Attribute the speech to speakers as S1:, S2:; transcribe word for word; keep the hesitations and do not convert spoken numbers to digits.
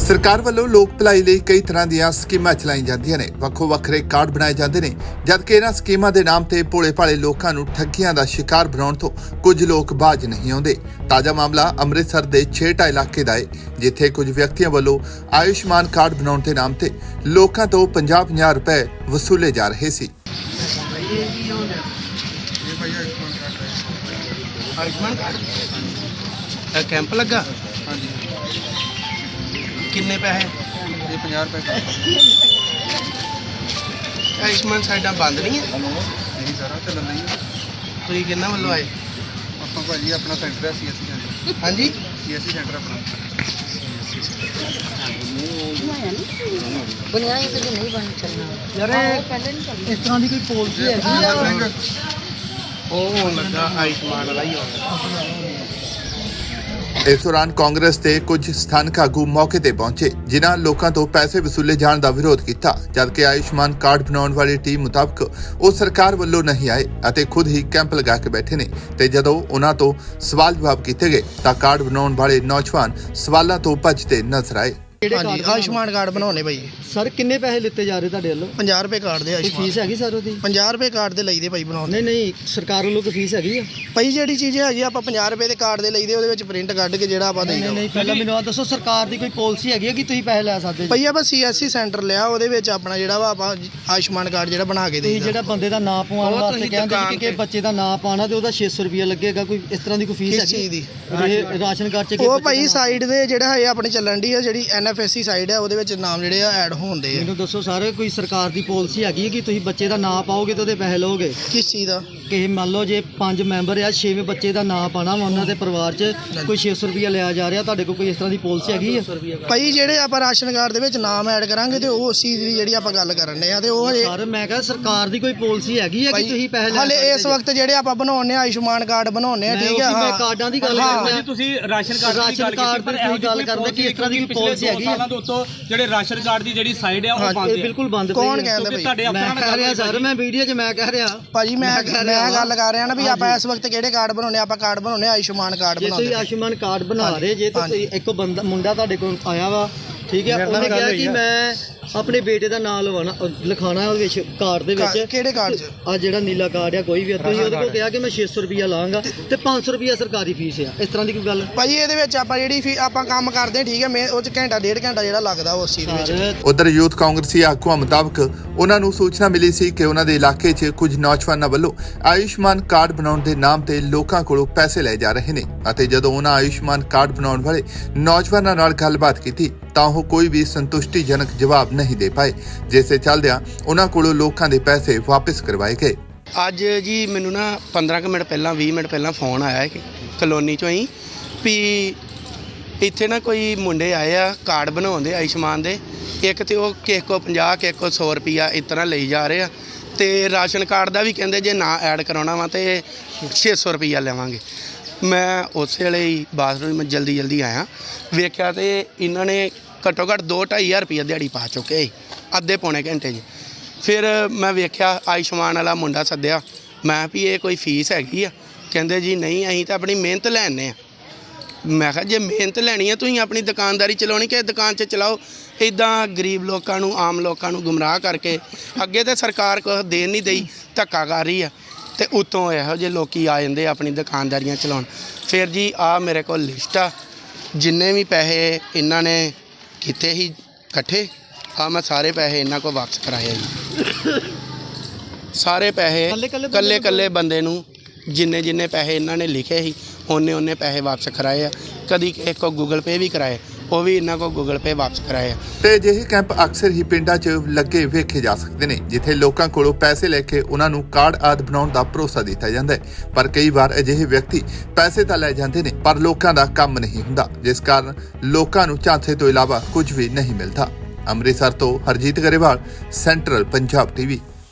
S1: सरकार ਵੱਲੋਂ ਲੋਕ ਭਲਾਈ ਲਈ ਕਈ ਤਰ੍ਹਾਂ ਦੀਆਂ ਸਕੀਮਾਂ ਚਲਾਈ ਜਾਂਦੀਆਂ ਨੇ। ਵੱਖੋ ਵੱਖਰੇ ਕਾਰਡ ਬਣਾਏ ਜਾਂਦੇ ਨੇ, ਜਦਕਿ ਇਹਨਾਂ ਸਕੀਮਾਂ ਦੇ ਨਾਮ ਤੇ ਭੋਲੇ ਭਾਲੇ ਲੋਕਾਂ ਨੂੰ ਠੱਗੀਆਂ ਦਾ ਸ਼ਿਕਾਰ ਬਣਾਉਣ ਤੋਂ ਕੁਝ ਲੋਕ ਬਾਜ ਨਹੀਂ ਆਉਂਦੇ। ਤਾਜ਼ਾ ਮਾਮਲਾ ਅੰਮ੍ਰਿਤਸਰ ਦੇ ਛੇਟਾ ਇਲਾਕੇ ਦਾ ਹੈ, ਜਿੱਥੇ ਕੁਝ ਵਿਅਕਤੀਆਂ ਵੱਲੋਂ ਆਯੁਸ਼ਮਾਨ ਕਾਰਡ ਬਣਾਉਣ ਦੇ ਨਾਮ ਤੇ ਲੋਕਾਂ ਤੋਂ ਪੰਜਾਹ ਪੰਜਾਹ ਰੁਪਏ ਵਸੂਲੇ ਜਾ ਰਹੇ ਸੀ।
S2: आयुष्मान कार्ड कैंप लगा
S3: हाँ जी
S2: किन्ने पैसे
S3: ये पचास रुपये
S2: आयुष्मान साइडा बंद नहीं है
S3: नहीं सारा चलन नहीं है।
S2: तुम किन्ना वालों आए
S3: ਆਪਾਂ ਭਾਜੀ ਆਪਣਾ ਸੈਂਟਰ ਹੈ ਸੀਐਸਸੀ ਸੈਂਟਰ
S2: हाँ जी
S3: ਸੀਐਸਸੀ ਸੈਂਟਰ ਆਪਣਾ
S4: बुनियादी तो नहीं बन चलना
S5: यार इस तरह की कोई पॉलिसी है
S2: ਉਹ ਹੋਣ ਲੱਗਾ ਆਯੁਸ਼ਮਾਨ ਵਾਲਾ ਹੀ ਹੋਣਾ।
S1: ਇਸ ਦੌਰਾਨ ਕਾਂਗਰਸ ਦੇ ਕੁਝ ਸਥਾਨਕ ਆਗੂ ਮੌਕੇ ਤੇ ਪਹੁੰਚੇ, ਜਿਨ੍ਹਾਂ ਲੋਕਾਂ ਤੋਂ ਪੈਸੇ ਵਸੂਲੇ ਜਾਣ ਦਾ ਵਿਰੋਧ ਕੀਤਾ, ਜਦਕਿ ਆਯੁਸ਼ਮਾਨ ਕਾਰਡ ਬਣਾਉਣ ਵਾਲੀ ਟੀਮ ਮੁਤਾਬਕ ਉਹ ਸਰਕਾਰ ਵੱਲੋਂ ਨਹੀਂ ਆਏ ਅਤੇ ਖੁਦ ਹੀ ਕੈਂਪ ਲਗਾ ਕੇ ਬੈਠੇ ਨੇ। ਤੇ ਜਦੋਂ ਉਹਨਾਂ ਤੋਂ ਸਵਾਲ ਜਵਾਬ ਕੀਤੇ ਗਏ ਤਾਂ ਕਾਰਡ ਬਣਾਉਣ ਵਾਲੇ ਨੌਜਵਾਨ ਸਵਾਲਾਂ ਤੋਂ ਭੱਜਦੇ ਨਜ਼ਰ ਆਏ।
S2: ਹਾਂਜੀ ਆਯੁਸ਼ਮਾਨ ਕਾਰਡ ਬਣਾਉਣੇ ਭਾਈ।
S5: सर किन्ने पैसे लिते जा रहे ਤੁਹਾਡੇ ਵੱਲੋਂ?
S2: ਪੰਜਾਹ ਰੁਪਏ ਕਾਰਡ ਦੇ
S5: ਕੋਈ
S2: ਆਯੁਸ਼ਮਾਨ
S5: ਫੀਸ ਹੈਗੀ ਸਰ ਉਹਦੀ?
S2: ਪੰਜਾਹ ਰੁਪਏ ਕਾਰਡ ਦੇ ਲਈਦੇ ਭਾਈ ਬਣਾਉਣੇ।
S5: ਨਹੀਂ ਨਹੀਂ ਸਰਕਾਰ ਵੱਲੋਂ ਕੋਈ ਫੀਸ ਹੈਗੀ ਆ?
S2: ਭਾਈ ਜਿਹੜੀ ਚੀਜ਼ ਹੈਗੀ ਆਪਾਂ ਪੰਜਾਹ ਰੁਪਏ ਦੇ ਕਾਰਡ ਦੇ ਲਈਦੇ, ਉਹਦੇ ਵਿੱਚ ਪ੍ਰਿੰਟ ਕੱਢ ਕੇ ਜਿਹੜਾ ਆਪਾਂ
S5: ਨਹੀਂ
S2: ਦੇਈਦਾ।
S5: ਨਹੀਂ ਪਹਿਲਾਂ ਮੈਨੂੰ ਆ ਦੱਸੋ, ਸਰਕਾਰ ਦੀ ਕੋਈ ਪਾਲਿਸੀ ਹੈਗੀ ਹੈ ਕਿ ਤੁਸੀਂ ਪੈਸੇ ਲੈ ਸਕਦੇ ਜੀ?
S2: ਭਾਈ ਆਪਾਂ ਸੀਐਸਸੀ ਸੈਂਟਰ ਲਿਆ, ਉਹਦੇ ਵਿੱਚ ਆਪਣਾ ਜਿਹੜਾ ਵਾ ਆਪਾਂ ਆਯੁਸ਼ਮਾਨ ਕਾਰਡ ਜਿਹੜਾ ਬਣਾ ਕੇ
S5: ਤੁਸੀਂ
S2: ਦੇਈਦਾ।
S5: ਜਿਹੜਾ ਬੰਦੇ ਦਾ ਨਾਂ ਪਵਾਉਣ
S2: ਉਹ
S5: ਵਾਸਤੇ
S2: ਤੁਸੀਂ
S5: ਕਹਿੰਦੇ
S2: ਦੁਕਾਨ
S5: ਕਿ ਕਿ
S2: ਤੇ-
S5: ਬੱਚੇ ਦਾ ਨਾਂ ਪਾਣਾ ਤੇ ਉਹਦਾ ਛੇ ਸੌ ਰੁਪਏ ਲੱਗੇਗਾ, ਕੋਈ ਇਸ ਤਰ੍ਹਾਂ ਦੀ ਕੋਈ ਫੀਸ
S2: ਕਿਸ
S5: ਹੈਗੀ?
S2: ਚੀਜ਼ ਦੀ?
S5: ਇਹ ਰਾਸ਼ਨ ਕਾਰਡ 'ਚ ਕਿ
S2: ਉਹ
S5: ਬੱਚੇ
S2: ਭਾਈ
S5: ਦਾ ਨਾਂ-
S2: ਸਾਈਡ ਦੇ ਜਿਹੜਾ ਹੈ ਆਪਣੇ ਚੱਲਣ ਦੀ ਆ, ਜਿਹੜੀ ਐਨਐਫਐਸਸੀ ਸਾਈਡ ਹੈ, ਉਹਦੇ ਵਿੱਚ ਨਾਮ ਜਿਹੜੇ ਆ ਐਡ ਹੋਣਦੇ ਆ।
S5: ਮੈਨੂੰ ਦੱਸੋ ਸਾਰੇ, ਕੋਈ ਸਰਕਾਰ ਦੀ ਪਾਲਿਸੀ ਹੈਗੀ ਹੈ ਕਿ ਤੁਸੀਂ ਬੱਚੇ ਦਾ ਨਾਂ ਪਾਓਗੇ ਤੇ ਉਹਦੇ ਪੈਸੇ ਲਓਗੇ?
S2: ਕਿਸ ਚੀਜ਼ ਦਾ?
S5: ਕਿ ਮੰਨ ਲਓ ਜੇ ਪੰਜ ਮੈਂਬਰ ਆ, ਛੇਵੇਂ ਬੱਚੇ ਦਾ ਨਾਂ ਪਾਣਾ ਵਾ ਉਹਨਾਂ ਦੇ ਪਰਿਵਾਰ 'ਚ, ਕੋਈ ਛੇ ਸੌ ਰੁਪਏ ਲਿਆ ਜਾ ਰਿਹਾ, ਤੁਹਾਡੇ ਕੋਲ ਕੋਈ ਇਸ ਤਰ੍ਹਾਂ ਦੀ ਪਾਲਿਸੀ ਹੈਗੀ ਹੈ?
S2: ਭਾਈ ਜਿਹੜੇ ਆਪਾਂ ਰਾਸ਼ਨ ਕਾਰਡ ਦੇ ਵਿੱਚ ਨਾਮ ਐਡ ਕਰਾਂਗੇ ਤੇ ਉਹ ਉਸ ਚੀਜ਼ ਦੀ ਜਿਹੜੀ ਆਪਾਂ ਗੱਲ ਕਰਨ ਦੇ ਆ, ਤੇ ਉਹ ਹਜੇ
S5: ਸਰ ਮੈਂ ਕਿਹਾ ਸਰਕਾਰ ਦੀ ਕੋਈ ਪਾਲਿਸੀ ਹੈਗੀ ਹੈ ਕਿ ਤੁਸੀਂ ਪੈਸੇ ਲੈ
S2: ਹਾਲੇ
S5: ਸਕਦੇ
S2: ਇਸ
S5: ਜੀ?
S2: ਵਕਤ ਜਿਹੜੇ ਆਪਾਂ ਬਣਾਉਣੇ ਆ ਆਯੁਸ਼ਮਾਨ ਕਾਰਡ ਬਣਾਉਣੇ ਆ,
S5: ਮੈਂ
S2: ਠੀਕ ਹੈ।
S5: ਉਸੀ ਮੈਂ
S2: ਹਾਂ
S5: ਕਾਰਡਾਂ ਦੀ ਗੱਲ
S2: ਹਾਂ।
S5: ਕਰ ਰਿਹਾ।
S6: ਤੁਸੀਂ ਰਾਸ਼ਨ ਕਾਰਡ ਦੀ
S5: ਰਾਸ਼ਨ
S6: ਗੱਲ
S5: ਕਾਰਡ
S6: ਕੀਤੀ, ਪਰ
S5: ਦੀ
S6: ਇਹੋ
S5: ਗੱਲ
S6: ਜਿਹੀ
S5: ਕਰਦੇ ਕਿ ਇਸ ਤਰ੍ਹਾਂ ਦੀ
S6: ਪਿਛਲੇ
S5: ਪਾਲਿਸੀ
S6: ਦੋ
S5: ਹੈਗੀ
S6: ਸਾਲਾਂ ਤੋਂ ਉੱਤੋਂ ਜਿਹੜੇ ਰਾਸ਼ਨ ਕਾਰਡ ਦੀ ਜਿਹੜੀ ਸਾਈਡ ਆ ਉਹ ਬੰਦ
S5: ਇਹ
S6: ਹੈ।
S5: ਬਿਲਕੁਲ ਬੰਦ ਪਈ
S2: ਕੌਣ
S5: ਹੈ।
S2: ਕਹਿੰਦਾ
S6: ਕਿਉਂਕਿ
S2: ਭਾਈ?
S6: ਤੁਹਾਡੇ
S5: ਮੈਂ
S6: ਅਫਸਰਾਂ
S5: ਕਹਿ ਰਿਹਾ
S6: ਨਾਲ
S5: ਸਰ, ਮੈਂ ਵੀਡੀਓ 'ਚ ਮੈਂ ਕਹਿ ਰਿਹਾ
S2: ਭਾਜੀ ਮੈਂ
S5: ਕਹਿ
S2: ਮੈਂ
S5: ਰਿਹਾ
S2: ਗੱਲ ਕਰ ਰਿਹਾ ਨਾ ਵੀ ਆਪਾਂ
S5: ਹਾਂਜੀ।
S2: ਇਸ ਵਕਤ ਕਿਹੜੇ ਕਾਰਡ ਬਣਾਉਣੇ ਆ? ਆਪਾਂ ਕਾਰਡ ਬਣਾਉਣੇ ਆ ਆਯੁਸ਼ਮਾਨ ਕਾਰਡ
S5: ਜੇ
S2: ਬਣਾਉਂਦੇ
S5: ਤੁਸੀਂ
S2: ਪਏ।
S5: ਆਯੁਸ਼ਮਾਨ ਕਾਰਡ ਬਣਾ
S2: ਹਾਂਜੀ।
S5: ਰਹੇ ਜੇ ਤਾਂ
S2: ਹਾਂਜੀ।
S5: ਤੁਸੀਂ ਇੱਕ ਬੰਦਾ ਮੁੰਡਾ ਤੁਹਾਡੇ ਕੋਲ ਆਇਆ ਵਾ, ਠੀਕ ਹੈ,
S2: ਮੇਰੇ ਨਾਲ
S5: ਉਹਨੇ
S2: ਗੱਲ
S5: ਕਿਹਾ
S2: ਹੋਈ
S5: ਕਿ
S2: ਆ।
S5: ਮੈਂ ਆਪਣੇ ਬੇਟੇ ਦਾ ਨਾਮ ਲਵਾਣਾ ਲਿਖਾਣਾ ਉਹਦੇ ਵਿੱਚ ਕਾਰਡ ਦੇ
S2: ਕਾ-
S5: ਵਿੱਚ।
S2: ਕਿਹੜੇ ਕਾਰਡ 'ਚ?
S5: ਆ ਜਿਹੜਾ ਨੀਲਾ ਕਾਰਡ ਆ ਕੋਈ ਵੀ ਆ, ਤੁਸੀਂ ਉਹਦੇ ਕੋਲ ਕਿਹਾ ਕਿ ਮੈਂ ਛੇ ਸੌ ਰੁਪਿਆ ਲਾਂਗਾ ਤੇ ਪੰਜ ਸੌ ਰੁਪਿਆ ਸਰਕਾਰੀ ਫੀਸ ਆ, ਇਸ ਤਰ੍ਹਾਂ ਦੀ ਕੋਈ ਗੱਲ?
S2: ਭਾਜੀ ਇਹਦੇ ਵਿੱਚ ਆਪਾਂ ਜਿਹੜੀ ਫੀ ਆਪਾਂ ਕੰਮ ਕਰਦੇ ਹਾਂ, ਠੀਕ ਹੈ, ਮੈਂ ਉਹ 'ਚ ਘੰਟਾ ਡੇਢ ਘੰਟਾ ਜਿਹੜਾ ਲੱਗਦਾ ਉਸ ਚੀਜ਼ ਦੇ ਵਿੱਚ।
S5: ਸਰ
S1: ਉਧਰ ਯੂਥ ਕਾਂਗਰਸੀ ਆਗੂਆਂ ਮੁਤਾਬਕ ਉਹਨਾਂ ਨੂੰ ਸੂਚਨਾ ਮਿਲੀ ਸੀ ਕਿ ਉਹਨਾਂ ਦੇ ਇਲਾਕੇ 'ਚ ਕੁਝ ਨੌਜਵਾਨਾਂ ਵੱਲੋਂ ਆਯੁਸ਼ਮਾਨ ਕਾਰਡ ਬਣਾਉਣ ਦੇ ਨਾਮ ਤੇ ਲੋਕਾਂ ਕੋਲੋਂ ਪੈਸੇ ਲਏ ਜਾ ਰਹੇ ਨੇ, ਅਤੇ ਜਦੋਂ ਉਹਨਾਂ ਆਯੁਸ਼ਮਾਨ ਕਾਰਡ ਬਣਾਉਣ ਵਾਲੇ ਨੌਜਵਾਨਾਂ ਨਾਲ ਗੱਲਬਾਤ ਕੀਤੀ ਤਾਂ ਉਹ ਕੋਈ ਵੀ ਸੰਤੁਸ਼ਟੀਜਨਕ ਜਵਾਬ ਨਹੀਂ ਦੇ ਪਾਏ, ਜਿਸ ਦੇ ਚੱਲਦਿਆਂ ਉਹਨਾਂ ਕੋਲੋਂ ਲੋਕਾਂ ਦੇ ਪੈਸੇ ਵਾਪਸ ਕਰਵਾਏ ਗਏ।
S2: ਅੱਜ ਜੀ ਮੈਨੂੰ ਨਾ ਪੰਦਰਾਂ ਕੁ ਮਿੰਟ ਪਹਿਲਾਂ ਵੀਹ ਮਿੰਟ ਪਹਿਲਾਂ ਫੋਨ ਆਇਆ ਕਿ ਕਲੋਨੀ 'ਚੋਂ ਹੀ ਵੀ ਇੱਥੇ ਨਾ ਕੋਈ ਮੁੰਡੇ ਆਏ ਆ ਕਾਰਡ ਬਣਾਉਂਦੇ ਆਯੁਸ਼ਮਾਨ ਦੇ, ਇੱਕ ਤੇ ਉਹ ਕਿਸੇ ਕੋ ਪੰਜਾਹ ਕਿਸੇ ਕੋ ਸੌ ਰੁਪਈਆ ਇਸ ਤਰ੍ਹਾਂ ਲਈ ਜਾ ਰਹੇ ਆ, ਤੇ ਰਾਸ਼ਨ ਕਾਰਡ ਦਾ ਵੀ ਕਹਿੰਦੇ ਜੇ ਨਾ ਐਡ ਕਰਾਉਣਾ ਵਾ ਤੇ ਛੇ ਸੌ ਰੁਪਈਆ ਲਵਾਂਗੇ। ਮੈਂ ਉਸੇ ਵੇਲੇ ਹੀ ਬਾਥਰੂਮ ਮੈਂ ਜਲਦੀ ਜਲਦੀ ਆਇਆ, ਵੇਖਿਆ ਤੇ ਇਹਨਾਂ ਨੇ ਘੱਟੋ ਘੱਟ ਦੋ ਢਾਈ ਹਜ਼ਾਰ ਰੁਪਈਆ ਦਿਹਾੜੀ ਪਾ ਚੁੱਕੇ ਸੀ ਅੱਧੇ ਪੌਣੇ ਘੰਟੇ 'ਚ। ਫਿਰ ਮੈਂ ਵੇਖਿਆ ਆਯੁਸ਼ਮਾਨ ਵਾਲਾ ਮੁੰਡਾ ਸੱਦਿਆ, ਮੈਂ ਵੀ ਇਹ ਕੋਈ ਫੀਸ ਹੈਗੀ ਆ? ਕਹਿੰਦੇ ਜੀ ਨਹੀਂ, ਅਸੀਂ ਤਾਂ ਆਪਣੀ ਮਿਹਨਤ ਲੈਣੇ ਆ। ਮੈਂ ਕਿਹਾ ਜੇ ਮਿਹਨਤ ਲੈਣੀ ਹੈ ਤੁਸੀਂ ਆਪਣੀ ਦੁਕਾਨਦਾਰੀ ਚਲਾਉਣੀ ਕਿ ਦੁਕਾਨ 'ਚ ਚਲਾਓ, ਇੱਦਾਂ ਗਰੀਬ ਲੋਕਾਂ ਨੂੰ ਆਮ ਲੋਕਾਂ ਨੂੰ ਗੁੰਮਰਾਹ ਕਰਕੇ। ਅੱਗੇ ਤਾਂ ਸਰਕਾਰ ਕੁਛ ਦੇਣ ਨਹੀਂ ਦਈ, ਧੱਕਾ ਕਰ ਰਹੀ ਆ, ਤੇ ਉੱਤੋਂ ਇਹੋ ਜਿਹੇ ਲੋਕੀ ਆ ਜਾਂਦੇ ਆਪਣੀ ਦੁਕਾਨਦਾਰੀਆਂ ਚਲਾਉਣ। ਫਿਰ ਜੀ ਆ ਮੇਰੇ ਕੋਲ ਲਿਸਟ ਆ, ਜਿੰਨੇ ਵੀ ਪੈਸੇ ਇਹਨਾਂ ਨੇ ਕੀਤੇ ਸੀ ਇਕੱਠੇ, ਆ ਮੈਂ ਸਾਰੇ ਪੈਸੇ ਇਹਨਾਂ ਕੋਲ ਵਾਪਸ ਕਰਾਏ ਆ ਜੀ। ਸਾਰੇ ਪੈਸੇ ਕੱਲੇ ਕੱਲੇ ਬੰਦੇ ਨੂੰ ਜਿੰਨੇ ਜਿੰਨੇ ਪੈਸੇ ਇਹਨਾਂ ਨੇ ਲਿਖੇ ਸੀ ਉਹਨੇ ਉਹਨੇ ਪੈਸੇ ਵਾਪਸ ਕਰਾਏ ਆ। ਕਦੀ ਇੱਕ ਕੋ ਗੂਗਲ ਪੇ ਵੀ ਕਰਾਏ, ਉਹ ਵੀ ਇਹਨਾਂ ਕੋ ਗੂਗਲ ਪੇ ਵਾਪਸ ਕਰਾਏ ਆ।
S1: ਤੇ ਅਜਿਹੇ ਕੈਂਪ ਅਕਸਰ ਹੀ ਪਿੰਡਾਂ 'ਚ ਲੱਗੇ ਵੇਖੇ ਜਾ ਸਕਦੇ ਨੇ, ਜਿੱਥੇ ਲੋਕਾਂ ਕੋਲੋਂ ਪੈਸੇ ਲੈ ਕੇ ਉਹਨਾਂ ਨੂੰ ਕਾਰਡ ਆਦਿ ਬਣਾਉਣ ਦਾ ਭਰੋਸਾ ਦਿੱਤਾ ਜਾਂਦਾ ਹੈ। ਪਰ ਕਈ ਵਾਰ ਅਜਿਹੇ ਵਿਅਕਤੀ ਪੈਸੇ ਤਾਂ ਲੈ ਜਾਂਦੇ ਨੇ, ਪਰ ਲੋਕਾਂ ਦਾ ਕੰਮ ਨਹੀਂ ਹੁੰਦਾ, ਜਿਸ ਕਾਰਨ ਲੋਕਾਂ ਨੂੰ ਝਾਂਸੇ ਤੋਂ ਇਲਾਵਾ ਕੁਝ ਵੀ ਨਹੀਂ ਮਿਲਦਾ। ਅੰਮ੍ਰਿਤਸਰ ਤੋਂ ਹਰਜੀਤ ਗਰੇਵਾਲ, ਸੈਂਟਰਲ ਪੰਜਾਬ ਟੀਵੀ।